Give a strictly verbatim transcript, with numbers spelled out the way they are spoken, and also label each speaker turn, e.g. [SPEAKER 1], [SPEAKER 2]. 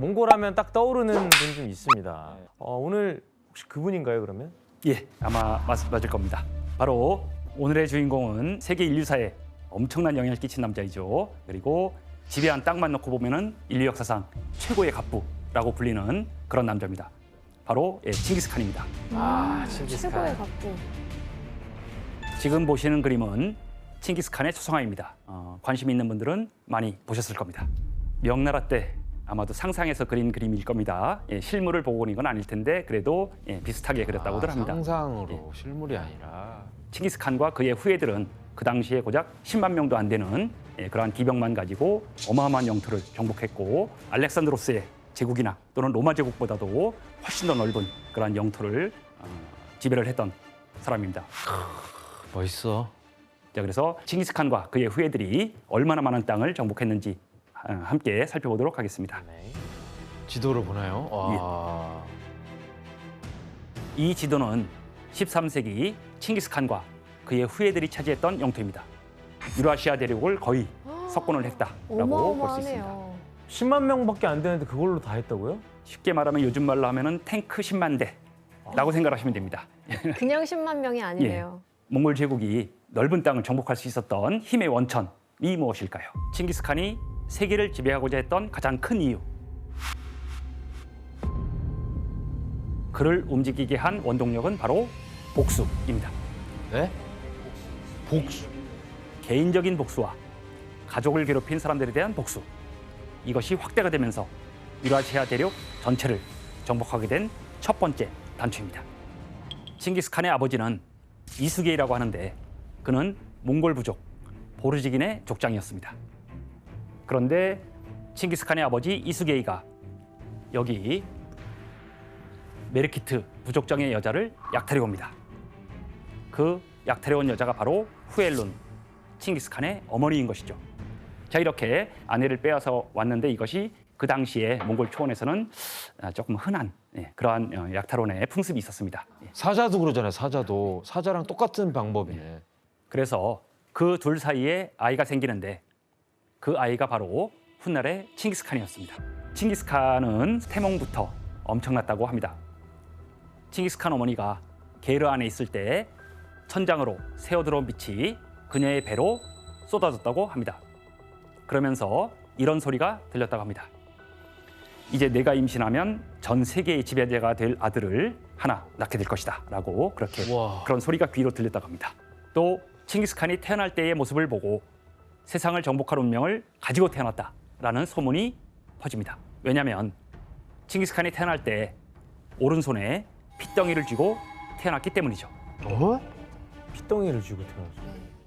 [SPEAKER 1] 몽골하면 딱 떠오르는 분이 좀 있습니다. 어, 오늘 혹시 그분인가요, 그러면?
[SPEAKER 2] 예, 아마 맞, 맞을 겁니다. 바로 오늘의 주인공은 세계 인류사에 엄청난 영향을 끼친 남자이죠. 그리고 지배한 땅만 놓고 보면은 인류 역사상 최고의 갑부라고 불리는 그런 남자입니다. 바로 예, 칭기스칸입니다.
[SPEAKER 1] 아,
[SPEAKER 3] 최고의
[SPEAKER 1] 칭기스칸.
[SPEAKER 3] 갑부.
[SPEAKER 2] 지금 보시는 그림은 칭기스칸의 초상화입니다. 어, 관심 있는 분들은 많이 보셨을 겁니다. 명나라 때 아마도 상상해서 그린 그림일 겁니다. 예, 실물을 보고 그린 건 아닐 텐데 그래도 예, 비슷하게 그렸다고들
[SPEAKER 1] 아,
[SPEAKER 2] 합니다.
[SPEAKER 1] 상상으로 실물이 아니라.
[SPEAKER 2] 칭기스칸과 그의 후예들은 그 당시에 고작 십만 명도 안 되는 예, 그러한 기병만 가지고 어마어마한 영토를 정복했고 알렉산드로스의 제국이나 또는 로마 제국보다도 훨씬 더 넓은 그러한 영토를 어, 지배를 했던 사람입니다.
[SPEAKER 1] 멋있어.
[SPEAKER 2] 자, 그래서 칭기스칸과 그의 후예들이 얼마나 많은 땅을 정복했는지 어, 함께 살펴보도록 하겠습니다.
[SPEAKER 1] 네. 지도를 보나요? 와.
[SPEAKER 2] 이 지도는 십삼 세기 칭기스칸과 그의 후예들이 차지했던 영토입니다. 유라시아 대륙을 거의 석권을 했다라고 볼 수 있습니다.
[SPEAKER 3] 어마어마하네요.
[SPEAKER 1] 십만 명밖에 안 되는데 그걸로 다 했다고요?
[SPEAKER 2] 쉽게 말하면 요즘 말로 하면은 탱크 십만 대라고 생각하시면 됩니다.
[SPEAKER 3] 그냥 십만 명이 아니네요.
[SPEAKER 2] 몽골 제국이 넓은 땅을 정복할 수 있었던 힘의 원천이 무엇일까요? 칭기스칸이 세계를 지배하고자 했던 가장 큰 이유. 그를 움직이게 한 원동력은 바로 복수입니다.
[SPEAKER 1] 네? 복수.
[SPEAKER 2] 개인적인 복수와 가족을 괴롭힌 사람들에 대한 복수. 이것이 확대가 되면서 유라시아 대륙 전체를 정복하게 된 첫 번째 단추입니다. 칭기스칸의 아버지는 이수게이라고 하는데 그는 몽골 부족 보르지긴의 족장이었습니다. 그런데 칭기스칸의 아버지 이수게이가 여기 메르키트 부족장의 여자를 약탈해 옵니다. 그 약탈해 온 여자가 바로 후엘룬, 칭기스칸의 어머니인 것이죠. 자, 이렇게 아내를 빼앗아 왔는데 이것이 그 당시에 몽골 초원에서는 조금 흔한 그러한 약탈원의 풍습이 있었습니다.
[SPEAKER 1] 사자도 그러잖아요. 사자도. 사자랑 똑같은 방법이네.
[SPEAKER 2] 그래서 그 둘 사이에 아이가 생기는데 그 아이가 바로 훗날의 칭기스칸이었습니다. 칭기스칸은 태몽부터 엄청났다고 합니다. 칭기스칸 어머니가 게르 안에 있을 때 천장으로 새어들어온 빛이 그녀의 배로 쏟아졌다고 합니다. 그러면서 이런 소리가 들렸다고 합니다. 이제 내가 임신하면 전 세계의 지배자가 될 아들을 하나 낳게 될 것이다 라고 그렇게
[SPEAKER 1] 우와.
[SPEAKER 2] 그런 소리가 귀로 들렸다고 합니다. 또 칭기스칸이 태어날 때의 모습을 보고 세상을 정복할 운명을 가지고 태어났다라는 소문이 퍼집니다. 왜냐하면 칭기스칸이 태어날 때 오른손에 핏덩이를 쥐고 태어났기 때문이죠.
[SPEAKER 1] 어? 핏덩이를 쥐고 태어났어.